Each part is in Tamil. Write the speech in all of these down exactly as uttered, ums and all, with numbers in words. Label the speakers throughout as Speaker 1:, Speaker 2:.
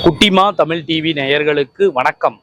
Speaker 1: குட்டிமா தமிழ் டிவி நேயர்களுக்கு வணக்கம்.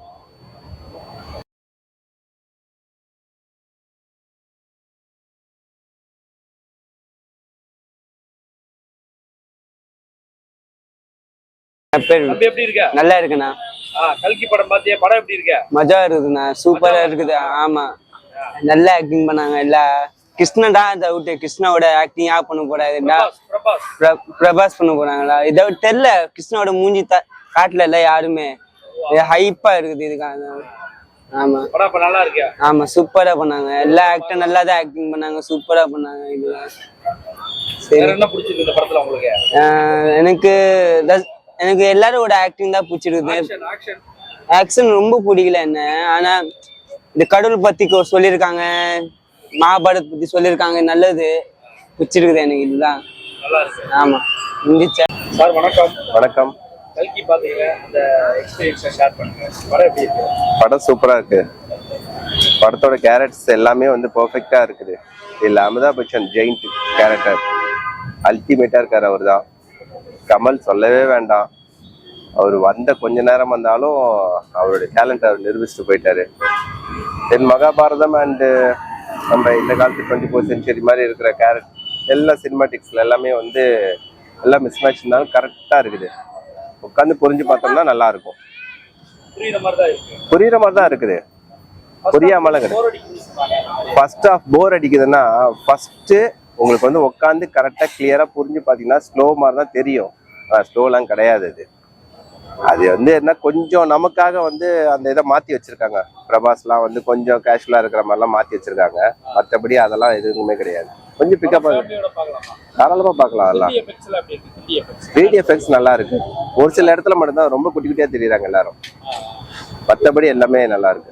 Speaker 2: நல்லா இருக்குண்ணா.
Speaker 1: கல்கி படம் பாத்தியா? படம் எப்படி இருக்கு?
Speaker 2: மஜா இருக்குதுண்ணா, சூப்பரா இருக்குது. ஆமா, நல்லா ஆக்டிங் பண்ணாங்க. எல்லா கிருஷ்ணன் தான் இதை விட்டு கிருஷ்ணாவோட ஆக்டிங் யா பண்ண போறாருடா, பிரபாஸ் பண்ண போறாங்களா இதை விட்டு தெரியல. கிருஷ்ணாவோட மூஞ்சி காட்டல இல்ல யாருமே, ஹைப்பா இருக்குது இதுக்காக. ஆமா
Speaker 1: நல்லா இருக்கு.
Speaker 2: ஆமா, சூப்பரா பண்ணாங்க. எல்லா ஆக்டர் நல்லா தான் ஆக்டிங் பண்ணாங்க, சூப்பரா பண்ணாங்க. இதுதான்
Speaker 1: என்ன பிடிச்சிருக்கு இந்த படத்துல உங்களுக்கு?
Speaker 2: எனக்கு எனக்கு எல்லாரோட ஆக்டிங் தான் பிடிச்சிருக்குது. ஆக்ஷன் ரொம்ப பிடிக்கல என்ன. ஆனா இந்த கடவுள் பத்தி சொல்லியிருக்காங்க, மகாபாரத் பத்தி சொல்லியிருக்காங்க, நல்லது பிடிச்சிருக்குது எனக்கு. இதுதான் ஆமா.
Speaker 1: சார் வணக்கம்.
Speaker 3: வணக்கம்.
Speaker 1: கல்கி பாத்தீங்க, அந்த எக்ஸ்பீரியன்ஸை ஷேர் பண்ணுங்க. படம் எப்படி இருக்கு?
Speaker 3: படம் சூப்பரா இருக்கு. படத்தோட கேரக்டர்ஸ் எல்லாமே வந்து பெர்ஃபெக்ட்டா இருக்குது. இல்ல அமிதாப் பச்சன் ஜெயிண்ட் கேரக்டர் அல்டிமேட்டா இருக்காரு. அவர் தான் கமல், சொல்லவே வேண்டாம். அவர் வந்த கொஞ்ச நேரம் வந்தாலும் அவருடைய டேலண்ட் அவர் நிரூபிச்சுட்டு போயிட்டாரு. தென் மகாபாரதம் அண்டு நம்ம இந்த காலத்து டுவெண்ட்டி ஃபோர் சென்ச்சுரி மாதிரி இருக்கிற கேரக்டர் எல்லா சினிமாட்டிக்ஸ்ல எல்லாமே வந்து எல்லாம் மிஸ் மேட்ச் இருந்தாலும் கரெக்டா இருக்குது. உட்காந்து புரிஞ்சு பார்த்தோம்னா நல்லா இருக்கும். புரியுற மாதிரி தான் இருக்குது, புரியாமல கிடையாது. ஃபர்ஸ்ட் ஆஃப் போர் அடிக்குதுன்னா ஃபர்ஸ்ட் உங்களுக்கு வந்து உட்காந்து கரெக்டா கிளியரா புரிஞ்சு பார்த்தீங்கன்னா ஸ்லோ மாதிரி தான் தெரியும். ஸ்லோலாம் கிடையாது. அது அது வந்து என்ன, கொஞ்சம் நமக்காக வந்து அந்த இதை மாற்றி வச்சிருக்காங்க. பிரபாஸ்லாம் வந்து கொஞ்சம் கேஷுவலாக இருக்கிற மாதிரிலாம் மாற்றி வச்சிருக்காங்க. மற்றபடி அதெல்லாம் எதுவுமே கிடையாது. கொஞ்சம் பிக்கப் தாராளமாக பார்க்கலாம். அதெல்லாம் த்ரீ டி எஃபெக்ட்ஸ் நல்லா இருக்கு. ஒரு சில இடத்துல மட்டும்தான் ரொம்ப குட்டி குட்டியாக தெரியுறாங்க எல்லாரும். மற்றபடி எல்லாமே நல்லா இருக்கு.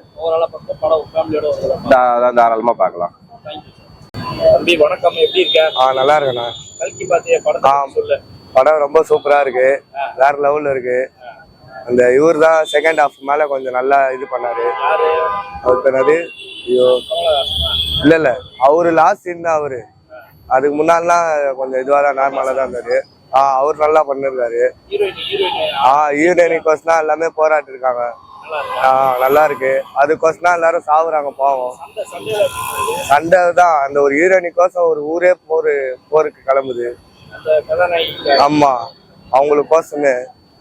Speaker 3: தாராளமாக பார்க்கலாம்.
Speaker 1: வணக்கம், எப்படி இருக்க?
Speaker 4: ஆ நல்லா இருக்கேண்ணா.
Speaker 1: கல்கி பாத்தியா? படம் சொல்லு.
Speaker 4: படம் ரொம்ப சூப்பரா இருக்கு, வேற லெவல்ல இருக்கு. அந்த இவர் தான் செகண்ட் ஹாஃப் மேல கொஞ்சம் நல்லா இது பண்ணாரு. அவர் பண்ணாரு. ஐயோ இல்ல இல்ல அவரு லாஸ்ட் சீன் தான். அவரு அதுக்கு முன்னாடிலாம் கொஞ்சம் இதுவா தான் நார்மலா தான் இருந்தாரு. ஆஹ் அவர் நல்லா பண்ணிருக்காரு. ஆஹ் ஹீரோயினிக்கோஸ் தான் எல்லாமே போராட்டி இருக்காங்க. ஆஹ் நல்லா இருக்கு. அதுக்கோசம் தான் எல்லாரும் சாவுறாங்க பாவம். சண்டை தான். அந்த ஒரு ஹீரோயினிக்கோசம் ஒரு ஊரே போர் போருக்கு கிளம்புது. ஆமா, அவங்களுக்கோசமே.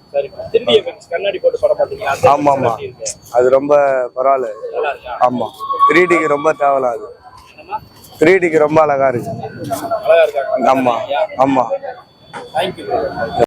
Speaker 4: ஆமா ஆமா, அது ரொம்ப பரவாயில்ல. ஆமா, த்ரீ டிக்கு ரொம்ப தேவலாம். அது த்ரீ டிக்கு ரொம்ப அழகா இருக்கு. ஆமா ஆமா.